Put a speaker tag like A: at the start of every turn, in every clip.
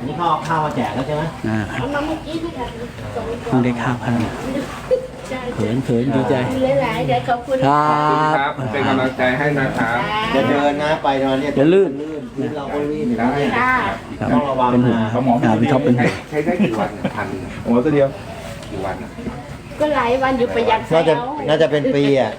A: นี่เขาเอาข้าวมาแจกแล้วใช่ไหม
B: เอามาเมื่อกี้พี่ค่ะ
C: เพิ่งได้ข้าวพันเขินดีใจ
B: หลายๆเดี๋ยวขอบคุณ
C: ครั
D: ครับ บเป็นกำลังใจให้นะครับ
A: จะเดินนะไปนอนเนี่ย
C: จะลื่น
A: พื้นเราก็ลื่นอยู่นะเนี่ย
B: ค่ะ
A: ต้องระวัง
C: เป็นห่วง
A: นะ
D: เขาหมอ
C: พี่ท็อปเป็นห่วง
D: ใช้ได้กี่วันพันโอ้ตัวเดียวกี่วัน
B: ก็หลายวันอยู่ประหยัด
A: น่าจะเป็นปีอ่ะ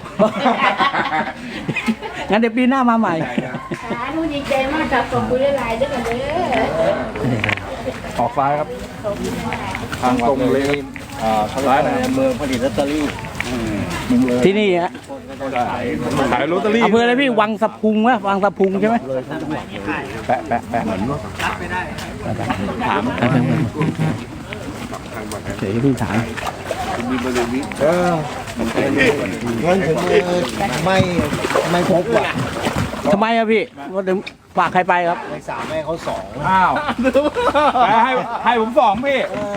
C: งั้นเดี๋ยวปีหน้ามาใหม่
B: สาธุดีใจมากครับขอบคุณหลายๆด้วยกันเด้อ
D: ออกซ้ายครับทางตรงเลยซ้ายนะ
A: เมืองผลิตลอตเตอรี่
C: ที่นี่ฮะ
D: ขายลอตเตอรี่
C: อำเภออะไรพี่วังสะพุงวะวังสะพุงใช่ไหม
D: แปะเหมือนถาม
C: เดี๋ยวพี่ถาม
D: มีบริวิต
A: เงินถึงมือไม่พบอ่ะ
C: ทำไมอะพี่ว่าถึงฝากใครไปครับ
A: ในสามให้เขาสอง
D: อ้าวให้ผมสองพี่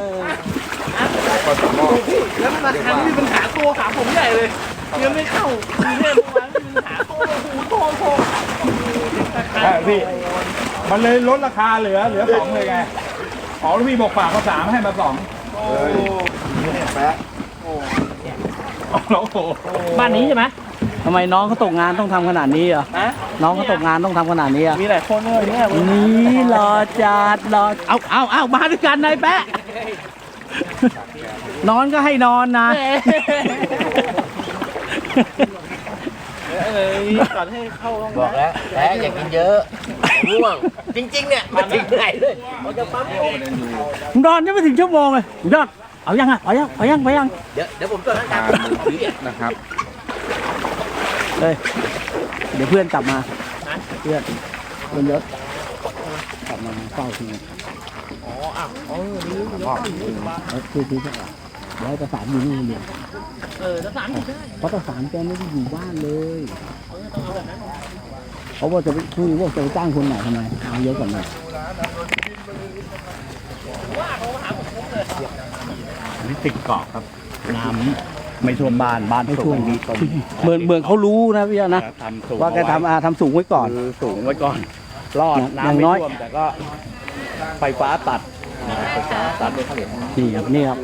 E: แล้วธนาคารมีปัญหาตัวหาผมใหญ่เลยเงินไม่เข้าเนี่ยเมื่อวานมีปัญหาโทร
D: พี่มันเลยลดราคาเหลือสองเลยไงอ๋อแล้วพี่บอกฝากเขาสามให้มาสองโอ้แปะโอ้โห
E: บ้านนี้ใช่ไหม
C: ทำไมน้องเขาตกงานต้องทำขนาดนี้อ่ะน้องเขาตกงานต้องทำขนาดนี้อ่ะ
E: มีหลายคนเลยเนี่ย
C: นี่รอจัดรอเอามาด้วยกันนายแปะนอนก็ให้นอนนะ
E: ก่อนให้เข้าห้อง
A: บอกแล้วแพ้อย่ากินเยอะง่วงจริงๆเนี่ยมาถึงไหนเลยเขาจะปั๊ม
C: นอนยังไม่ถึงชั่วโมงเลยยอดเอายังไปยัง
A: เดี๋ยวผมตรวจร่างกาย
D: นะครับ
C: เลยเดี๋ยวเพื่อนกลับมาเพื่อนยศกลับมาเฝ้าที่นี่คือย้ายประสานอยู่นี่เดียว
E: จะสามอยู่ได้
C: เพราะประสานแกไม่ได้อยู่บ้านเลยเขาบอกจะไปคุยว่าจะไปจ้างคนไหนทำไมเอาเยอะกว่านี้นี่ติดเกาะครับน้ำไม่ท่วมบ้านไม่ท่วมเมืองเขารู้นะพี่นะว่าแกทำสูงไว้ก่อนสูงไว้ก่อนรอดน้ำไม่ท่วมแต่ก็ไฟฟ้าตัดนี่ครับ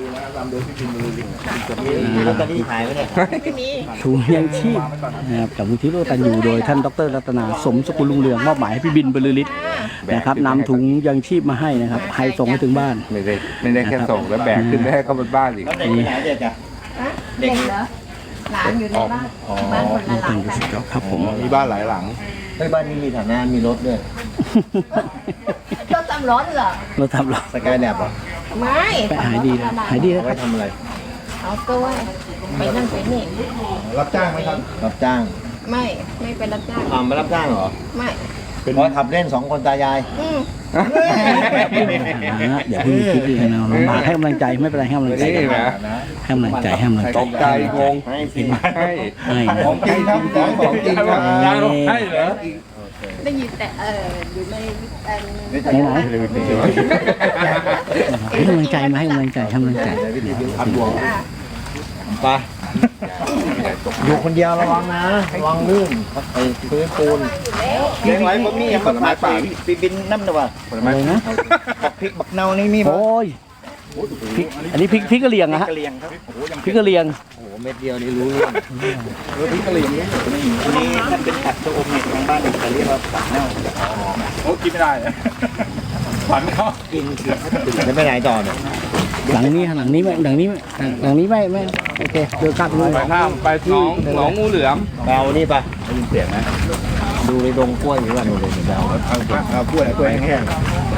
A: มีลอตเตอรี่ขายไหมเนี่ย
C: ถุงยังชีพนะครับจากมูลที่โลตันอยู่โดยท่านดรรัตนาสมสกุลลุงเรืองมอบหมายให้พี่บินบรรลือฤทธิ์นะครับนำถุงยังชีพมาให้นะครับให้ส่งให้ถึงบ้าน
D: ไม่ได้แค่ส่งแล้วแบกขึ้นไปให้เขาบนบ้านอีก
A: เด็กไปไหนเด็กอ่ะ
B: เด็กเหรอหลานอยู่ในบ้านบ้านคนละหลังกัน
C: ครับผม
D: มีบ้านหลายหลัง
A: เฮ้ยบ้านนี้มีฐานะมีรถด้วย
B: ต้องตำร้อนเหรอ
C: เราทำหรอ
A: สกายแลบเหรอ
B: ไม่
C: ไปหายดีแล้วหายดีแล้ว
A: เอา
C: ค
A: ไว้
C: รับ
A: ทำอะไร
B: เอาตัวไปนั่นไปนี่
A: รับจ้างไหมครับรับจ้าง
B: ไม่เป็นรับจ้าง
A: ไม่รับจ้างเหรอ
B: ไม่
A: เป็นขับเล่นสองคนตายาย
C: อย่าเพิ่งคิดดีนะลำบากให้กำลังใจไม่เป็นไรให้กำลังใจ
D: นี่นะ
C: ให้กำลังใจให้กำลังใจ
D: ตกใจงง
A: ให้สิ
D: ให้
C: ให้
D: ของจริงครับของจริงครับให้เหรอ
B: ได้ยินแต่อยู่ใน
C: ไหนให้กำลังใจมาให้กำลังใจให้กำลังใจ
A: ไปอยู่คนเดียวระวังนะระวังลื่นไอ้พื้นปูนเลี้ยงไว้บ่มีผลไม้ป่าปีบินน้ำนะวะ
C: อะไรนะ
A: พริกบักเนานี่มี
C: โอ้ยพริกอันนี้พริกกะเหรี่ยงอะฮะ
A: กะเลียงครับ
C: พริกกะเหรี่ยง
A: โอ้โหเม็ดเดียวนี่รู้เรื่อง
D: พริกกะเหรี่ยงนี่
A: อันนี้ท่านเป็นผักชะอมเนี่ยทางบ้านจะเรียกว่าผักเน่า
D: โอ้กินไม่ได้ฝันเขา
A: กินเกือบจะไปไหนต่อเนี่ย
C: หลังนี้ไม่โอเคเดินกลับเลย
D: ไปข้ามไปหนองงูเหลือม
A: ไปเอานี่ปะได้ยินเสียงนะดูในดงกล้วยหรือว่าดูเลยเดี๋ยวเอากล้วยแห้งๆไป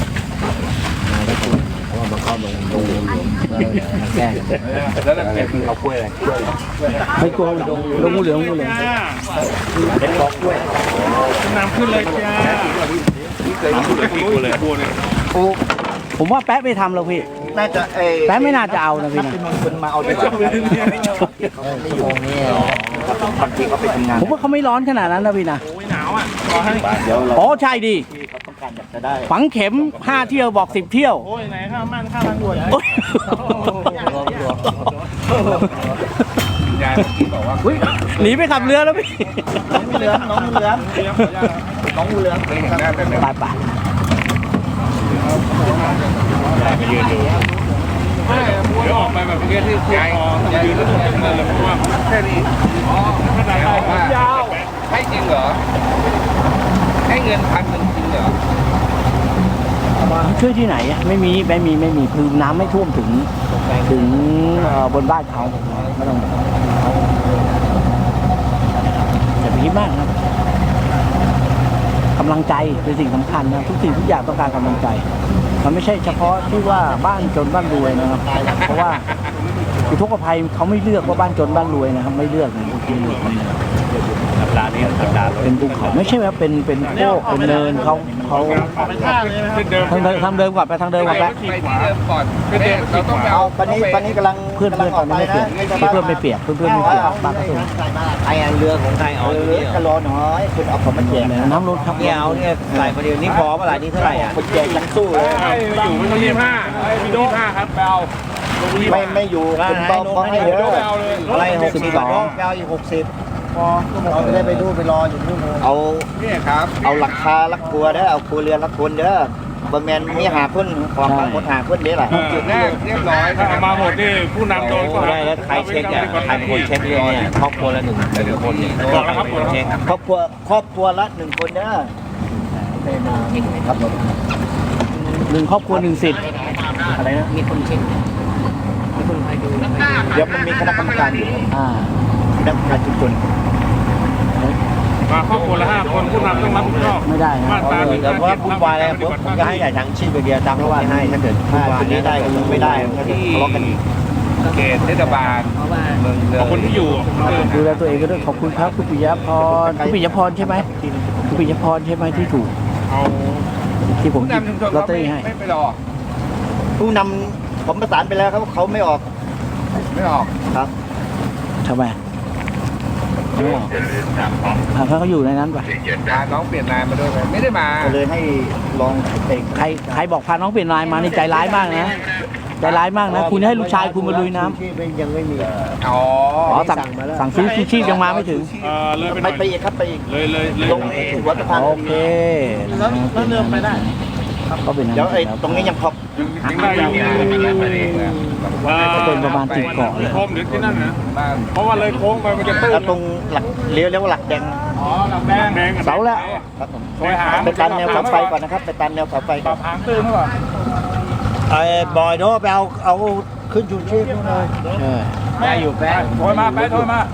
A: เพราะว่ามันเข้าดงแก้
D: แล้วเราเก็บเอากล้วยอะไร
C: ไม่กลัวลงงูเหลือง
A: เป็นบอกกล้วย
D: น้ำขึ้นเลยจ้านี่เคยกินเลยกินเลยบัวเลย
C: ผมว่าแป๊ะไม่ทำหรอกพี่
A: น่าจะ
C: แป๊ะไม่น่าจะเอานะพี่นะ
A: คนมาเอาไปจับไม่อยู่นี่บางทีเขาไปทำงาน
C: ผมว่าเขาไม่ร้อนขนาดนั้นนะพี่นะ
E: หนาวอ่ะรอให้
A: เดี๋ยวเรา
C: อ๋อใช่ดิ
A: เขาต้องการอยากจะได้
C: ฝังเข็ม5 เที่ยวบอก10 เที่ยว
E: โอ้ยไหนข้าวมันข้าวทางด่วน
C: โอ๊ย
D: ยายบอกว่า
C: อุ๊ยหนีไปขับเรือแล้วพี่
A: น้องงูเหลือม
D: เคยเห็นหน้าแต่
C: ไป
D: ที่คุณพอต้องยืนแล้วต้องเงินเลยเพราะว่าแค่นี้ขนาดผมยาว
A: ให้จริงเหรอให้เงิน1,000จริงเหรอ
C: ช่วยที่ไหนอะไม่มีคือน้ำไม่ท่วมถึงบนบ้านเขาไม่ต้องอย่าไปคิดมากนะกำลังใจเป็นสิ่งสำคัญนะทุกสิ่งทุกอย่างต้องการกำลังใจมันไม่ใช่เฉพาะที่ว่าบ้านจนบ้านรวยนะครับเพราะว่าอุทกภัยเขาไม่เลือกว่าบ้านจนบ้านรวยนะครับไม่เลือกนะสัปดาห์นี้เป็นภูเขาไม่ใช่ว่าเป็นโคกเป็นเนินเขา
E: ไปท่าเลยไหมครับ
C: ทางเดิมก่อนไปทางเดิมก่อน
A: ไปที่เดิมก่อนเราต้องไปเอา
F: ตอนนี้กำลัง
C: เพื่อนตอนนี้ไม่เปียกเพื่อนไม่เปียกบ้านก็สูง
F: ไอ้เรือของใครเอาเรือก็รอหน่อยคุณเอาของมาแจก
C: น้ำลดครับ
F: เนี่ยเอาเนี่ยใส่คนเดียวนี่พอเมื่อไหร่นี่เท่าไหร่อ่ะคนแจกยังสู้เลย
D: ไม่อยู่ไม่ต้อง25ครับไปเอา
F: ไม่อยู่คุณเบาพอให้เยอะ
D: เอาเลย
F: อะไร62เอาอีก60พอเราจะได้ไปดูไปรออยู่นู่นเอา
A: เนี่ยครับ
F: เอาหลักคาลักครัวเด้อเอาครัวเรือนละคนเด้อบะแมนมีหาคนของบางคนหาคนเด้อล่ะ
A: จุดแรกเรียบร้อย
D: ถ้าเอามาหมดนี่ผู้นำโดนก็
F: ได้แล้วใครเช็คอ่ะใครเป็นคนเช็คเรื่องเนี่ยครอบครัวละหนึ่งคนเนี่ย
D: บอกแล้วครับบอกแล้ว
F: เช็คครอบครัวละ1คนเด้อครับผม
C: 1 ครอบครัว 1 สิทธิ์อะไรนะ
F: เดี๋ยวมันมีคณะกรรมการอยู่ คณะกรรมการชุมชน
D: มาครอบครัวละ5 คนผู้นำต้องรับผิดชอบ
C: ไม่ได้นะ
D: มาตรา
F: แต่ว่าวุ่นวายอะไรผมก็ให้แต่ทางชีพเดียวตามที่ว่าให้ถ้าเกิดคนนี้ได้ก็ไม่ได้ก็จะทะเลาะกันอีก
A: เขตเทศบาลเมืองเลย
D: คนที่อยู่
C: ดูแลตัวเองก็ด้วยขอบคุณครับคุณปิยพรคุณปิยพรใช่ไหมคุณปิยพรใช่ไหมที่ถูก
D: เอา
C: ที่ผม
A: ผู้
C: หยิบ
A: นำชุมชน
C: ลอต
A: เขา
C: เตอรี่ให้
A: ไม่ไปรอ
F: ผู้นำผมประสานไปแล้วเขาไม่ออก
A: ไม่ออก
F: ครับ
C: ทำไมไม่ออกเขาก็อยู่ในนั้นไป
A: พาน้องเปลี่ยนนายมาด้วยไหมไม่ได้มา
F: ก็เลยให้ลองเอง
C: ใครบอกพาน้องเปลี่ยนนายมานี่ใจร้ายมากนะใจร้ายมากนะคุณให้ลูกชายคุณมาลุยน้ำ
F: ที่ยังไม่มี
A: อ๋อ
C: สั่งซื้อชูชีพยังมาไม่ถึง
D: เลยไปหน่อย
F: ไปอีกครับไปอีก
D: เลย
F: ลงหัวสะพาน
C: โอเค
E: แล้วเดินไปได้
C: ก็เป็น
F: เดี๋ยวไอ้ตรงนี้ยังพอ
D: ยังได้อยู่
C: ก็เป็นประมาณ10 เกาะเลย
D: โคมหรือที่นั่นนะเพราะว่าเลยโค้งไปมันจะตื้น
F: แล้วตรงหลักเลี้ยวหลักแดง
D: อ๋อหลังแดง
C: เสาแล้ว
F: ครับผม
D: ซอยหาง
F: ไปตามแนวเสาไฟก่อนนะครับไปตามแนวเสาไฟ
D: ป
F: ก่
D: รั
F: อน
D: บหางตื้นก่อน
F: ไอ้บอยโน้ไปเอาขึ้นชูชีพนู่นเลย
C: เออ
D: ได้อยู่แป๊ะโทรมา